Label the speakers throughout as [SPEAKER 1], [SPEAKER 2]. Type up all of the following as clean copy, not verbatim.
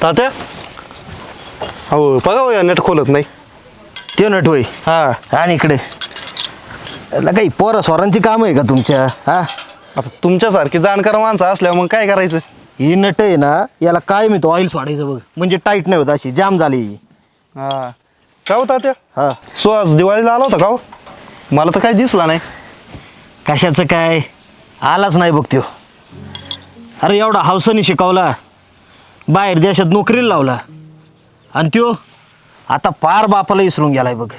[SPEAKER 1] तात्या हो बघा हो, नेट खोलत नाही.
[SPEAKER 2] ते नट होय.
[SPEAKER 1] हा
[SPEAKER 2] आणि इकडे काही पोरं स्वरांची काम आहे का तुमच्या? हा,
[SPEAKER 1] आता तुमच्यासारखी जाणकार माणसं असल्यावर मग काय करायचं.
[SPEAKER 2] ही नट आहे ना, याला काय मी तो ऑइल सोडायचं बघ, म्हणजे टाईट नाही होत, अशी जाम झाली.
[SPEAKER 1] हा का हो तात्या
[SPEAKER 2] हा,
[SPEAKER 1] सुहास दिवाळीला आला होता का हो? मला तर काही दिसला नाही.
[SPEAKER 2] कशाचं काय, आलाच नाही बघ त्यो. अरे एवढा हौसाने शिकवला, बाहेर देशात नोकरीला लावला, आणि त्यो आता पार बापाला विसरून गेलाय बघ.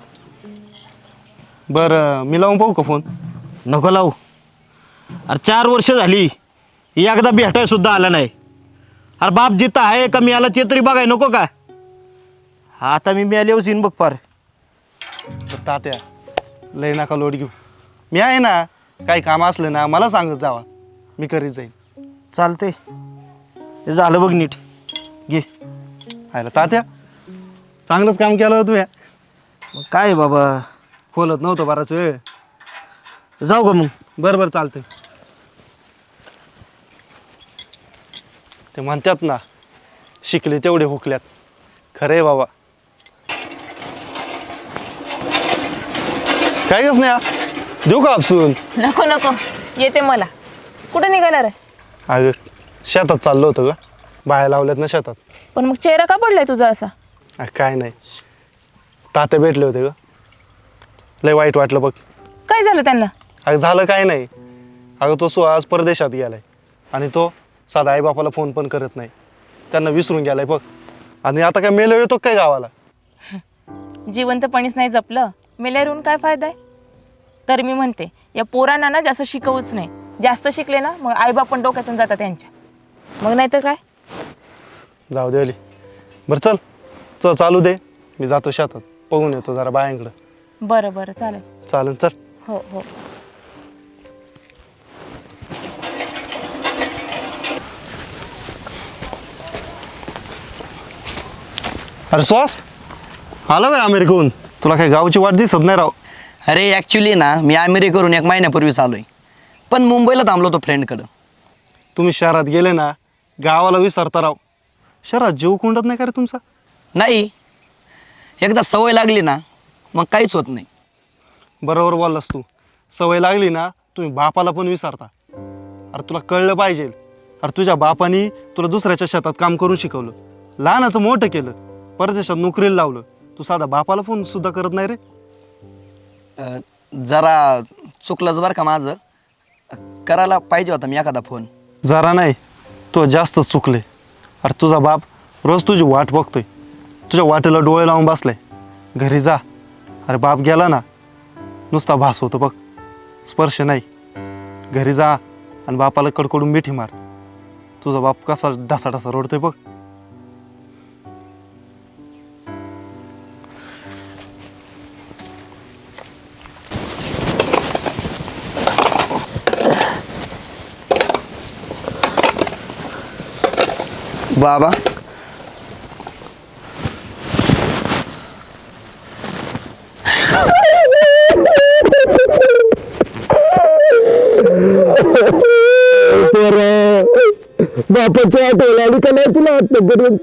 [SPEAKER 1] बरं मी लावून पाहू का फोन?
[SPEAKER 2] नको लावू. अरे 4 वर्ष झाली, एकदा भेटाय सुद्धा आला नाही. अरे बाप जिथं आहे का मी आला ते तरी बघाय नको का? आता मी आल्यावर येईन बघ पार.
[SPEAKER 1] तर तात्या लय नका लोड घेऊ, मी आहे ना. काही काम असलं ना मला सांगत जावा, मी करीत जाईन.
[SPEAKER 2] चालते, ते झालं बघ नीट. घे.
[SPEAKER 1] आयला तात्या चांगलंच काम केलं होतं तुम्ही.
[SPEAKER 2] मग काय बाबा,
[SPEAKER 1] खोलत नव्हतं बराच वेळ.
[SPEAKER 2] जाऊ का मग?
[SPEAKER 1] बरं बरं चालतंय. ते म्हणतात ना, शिकले तेवढे हुकल्यात. खरं आहे बाबा. काय गस नाही देऊ का आपसून?
[SPEAKER 3] नको नको, येते मला. कुठं निघाला रे?
[SPEAKER 1] अगं शेतात चाललो होतं ग, बाया लावल्यात ना शेतात.
[SPEAKER 3] पण मग चेहरा का पडलाय तुझा असा?
[SPEAKER 1] काय नाही, तात्या भेटले होते ग, लय वाईट वाटलं बघ.
[SPEAKER 3] काय झालं त्यांना?
[SPEAKER 1] अगं झालं काय नाही. अगं तो सुहास परदेशात गेलाय, आणि तो साधा आईबापाला फोन पण करत नाही. त्यांना विसरून गेलाय बघ. आणि आता काय मेलं येतो काय गावाला?
[SPEAKER 3] जिवंतपणीच नाही जपलं, मेल्यावरून काय फायदा आहे? तर मी म्हणते या पोरांना ना जास्त शिकवूच नाही. जास्त शिकले ना मग आईबाप पण डोक्यातून जातात त्यांच्या. मग नाही तर काय.
[SPEAKER 1] जाऊ दे अली. बरं चल, चल चालू दे, मी जातो शेतात, बघून येतो जरा बायांकडं.
[SPEAKER 3] बरं बरं चालेल.
[SPEAKER 1] चालेल चल.
[SPEAKER 3] हो हो.
[SPEAKER 1] अरे सुहास आला बाय अमेरिकेहून, तुला काही गावची वाट दिसत नाही राव.
[SPEAKER 4] अरे ॲक्च्युली ना मी अमेरिकेवरून 1 महिन्यापूर्वीच आलो आहे, पण मुंबईला थांबलो होतो फ्रेंडकडं.
[SPEAKER 1] तुम्ही शहरात गेले ना, गावाला विसरता राव. शहरात जीव कोंडत नाही का रे तुमचा?
[SPEAKER 4] नाही, एकदा सवय लागली ना मग काहीच होत नाही.
[SPEAKER 1] बरोबर बोललास तू. सवय लागली ना तुम्ही बापाला पण विसरता. अरे तुला कळलं पाहिजे. अरे तुझ्या बापानी तुला दुसऱ्याच्या शेतात काम करून शिकवलं, लहानाचं मोठं केलं, परदेशात नोकरीला लावलं. तू साधा बापाला फोन सुद्धा करत नाही रे.
[SPEAKER 4] जरा चुकलंच बरं का माझं, करायला पाहिजे होता मी एखादा फोन.
[SPEAKER 1] जरा नाही, तो जास्तच चुकले. अरे तुझा बाप रोज तुझी वाट बघतोय, तुझ्या वाटेला डोळे लावून बसलाय. घरी जा. अरे बाप गेला ना नुसता भास होतो बघ, स्पर्श नाही. घरी जा आणि बापाला कडकडून मिठी मार. तुझा बाप कसा ढसा ढसा रडतोय बघ.
[SPEAKER 4] बाबा
[SPEAKER 2] बापाची आठवण आली का नाही तुला आतापर्यंत?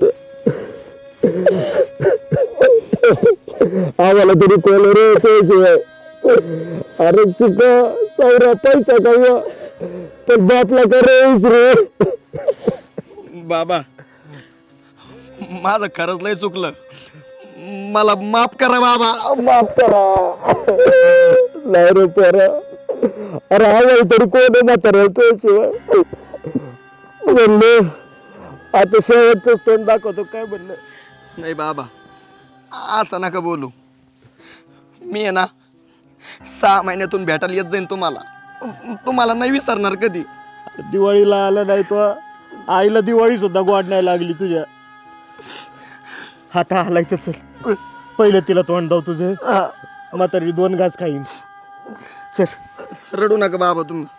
[SPEAKER 2] आम्हाला तरी कोण रे त्याशिवाय. अरे शिका सावरा पैसा का, पण बापला का रे.
[SPEAKER 4] बाबा माझं खरंच लय चुकलं, मला माफ करा बाबा.
[SPEAKER 2] माफ करा. नाही रे पोरा, अरे आवाज तरी कोण म्हातारा त्याशिवाय. म्हणलं आता शेवटचं स्तन दाखवतो काय म्हणलं.
[SPEAKER 4] नाही बाबा, असं नका बोलू. मी आहे ना 6 महिन्यातून भेटायला येत जाईन तुम्हाला. तुम्हाला नाही विसरणार कधी.
[SPEAKER 2] दिवाळीला आला नाही तो, आईला दिवाळी सुद्धा गोड नाही लागली तुझ्या. आता आलाय तर चल, पहिलं तिला तोंड दाव तुझं. म्हातारी 2 घास खाईन. चल.
[SPEAKER 4] रडू नका बाबा तुम्ही.